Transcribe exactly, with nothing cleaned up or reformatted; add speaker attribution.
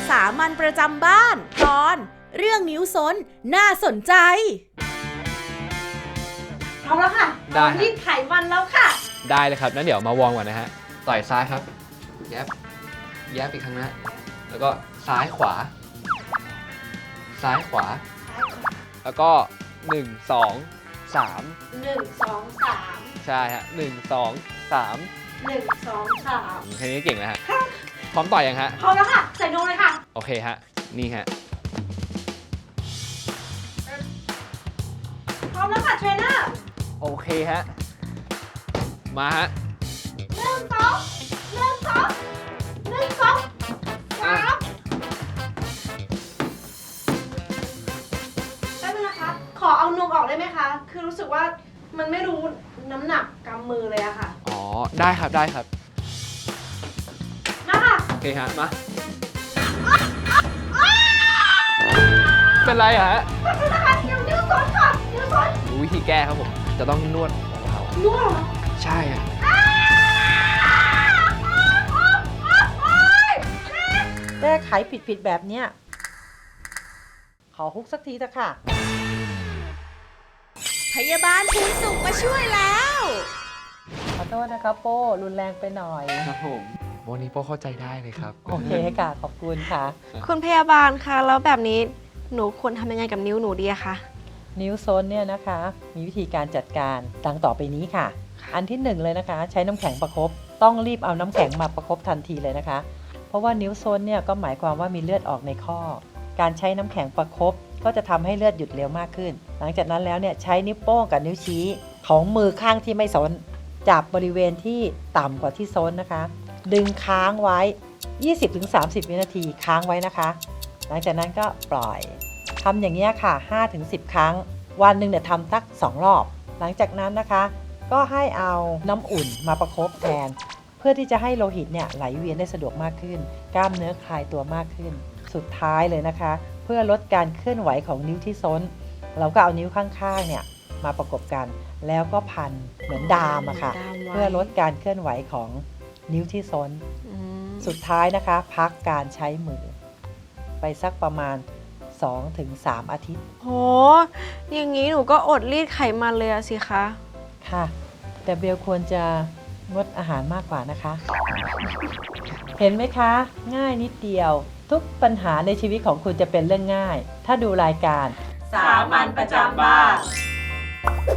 Speaker 1: สามัญประจำบ้านตอนเรื่องนิ้วซนน่าสนใจเอาแล้วค่ะ
Speaker 2: ได้ฮะ
Speaker 1: รีดไขมันแล้วค่ะ
Speaker 2: ได้เลยครับงั้นเดี๋ยวมาวอร์มก่อนนะฮะ ต่อยซ้ายครับ แยบ แยบอีกครั้งนะ แล้วก็ซ้ายขวา ซ้ายขวา แล้วก็หนึ่ง สอง สาม
Speaker 1: หนึ่ง สอง สาม
Speaker 2: ใช่ฮะหนึ่ง สอง สาม
Speaker 1: หนึ่ง สอง สาม
Speaker 2: แค่นี้เก่งแล้วฮะ พร้อมต่อยยังฮะ
Speaker 1: พร้อมแล้วค่ะ ใส่นมเลยค่ะ
Speaker 2: โอเคฮะ นี่ฮะ
Speaker 1: พร้อมแล้วค่ะเทรนเนอร์
Speaker 2: โอเคฮะ มาฮะ
Speaker 1: หนึ่งสองหนึ่งสองหนึ่งสองสามแป๊บนึงนะคะ ขอเอานมออกได้ไหมคะ คือรู้สึกว่ามันไม่รู้น้ำหนักกำมือเลยอะค่ะ
Speaker 2: อ๋อ ได้ครับ ได้ครับ
Speaker 1: มาค่ะ
Speaker 2: โอเคฮะ มา เป็นไรอะฮะ
Speaker 1: แป๊บนึงนะคะเดี๋ยวนิ้วซ้อนค่ะนิ้วซ้อน
Speaker 2: รู้วิธีแก้ครับผม จะต้องนวดเบา
Speaker 1: นวดเหรอ
Speaker 2: ๆใช่ฮะ
Speaker 3: แก้ไขผิดๆแบบเนี้ยขอฮุกสักทีเถอะค่ะ
Speaker 1: พยาบาลภูนสุขมาช่วยแล้ว
Speaker 3: ขอโทษนะครับโป้รุนแรงไปหน่อย
Speaker 2: ครับผมวันนี้โป้เข้าใจได้เลยครับ
Speaker 3: โอเคค่ะ ขอบคุณค่ะ
Speaker 4: คุณพยาบาลคะแล้วแบบนี้หนูควรทำยังไงกับนิ้วหนูดีอะคะ
Speaker 3: นิ้วโซนเนี่ยนะคะ มีวิธีการจัดการดังต่อไปนี้ค่ะ อันที่หนึ่งเลยนะคะ ใช้น้ำแข็งประคบต้องรีบเอาน้ำแข็งมาประคบทันทีเลยนะคะ เพราะว่านิ้วโซนเนี่ยก็หมายความว่ามีเลือดออกในข้อ การใช้น้ำแข็งประคบก็จะทำให้เลือดหยุดเร็วมากขึ้น หลังจากนั้นแล้วเนี่ยใช้นิ้วโป้งกับนิ้วชี้ของมือข้างที่ไม่โซนจับบริเวณที่ต่ำกว่าที่โซนนะคะ ดึงค้างไว้ ยี่สิบถึงสามสิบ วินาทีค้างไว้นะคะ หลังจากนั้นก็ปล่อยทำอย่างนี้ยค่ะ ห้าถึงสิบ ครั้ง วันหนึ่งเนี่ยทำสักสองรอบ หลังจากนั้นนะคะ ก็ให้เอาน้ำอุ่นมาประคบแทน เพื่อที่จะให้โลหิตเนี่ยไหลเวียนได้สะดวกมากขึ้น กล้ามเนื้อคลายตัวมากขึ้น สุดท้ายเลยนะคะ เพื่อลดการเคลื่อนไหวของนิ้วที่ซ้น เราก็เอานิ้วข้างๆเนี่ยมาประกบกัน แล้วก็พันเหมือนดามอะค่ะ
Speaker 4: ดามไว้
Speaker 3: เพื่อลดการเคลื่อนไหวของนิ้วที่ซ้น
Speaker 4: อืม
Speaker 3: สุดท้ายนะคะ พักการใช้มือ ไปสักประมาณ สองถึงสาม อาทิตย์
Speaker 4: โห อย่างนี้หนูก็อดรีดไขมันเลยอะสิคะ
Speaker 3: ค่ะ แต่เบลควรจะงดอาหารมากกว่านะคะ เห็นไหมคะ ง่ายนิดเดียว ทุกปัญหาในชีวิตของคุณจะเป็นเรื่องง่าย ถ้าดูรายการ
Speaker 1: สามัญประจำบ้าน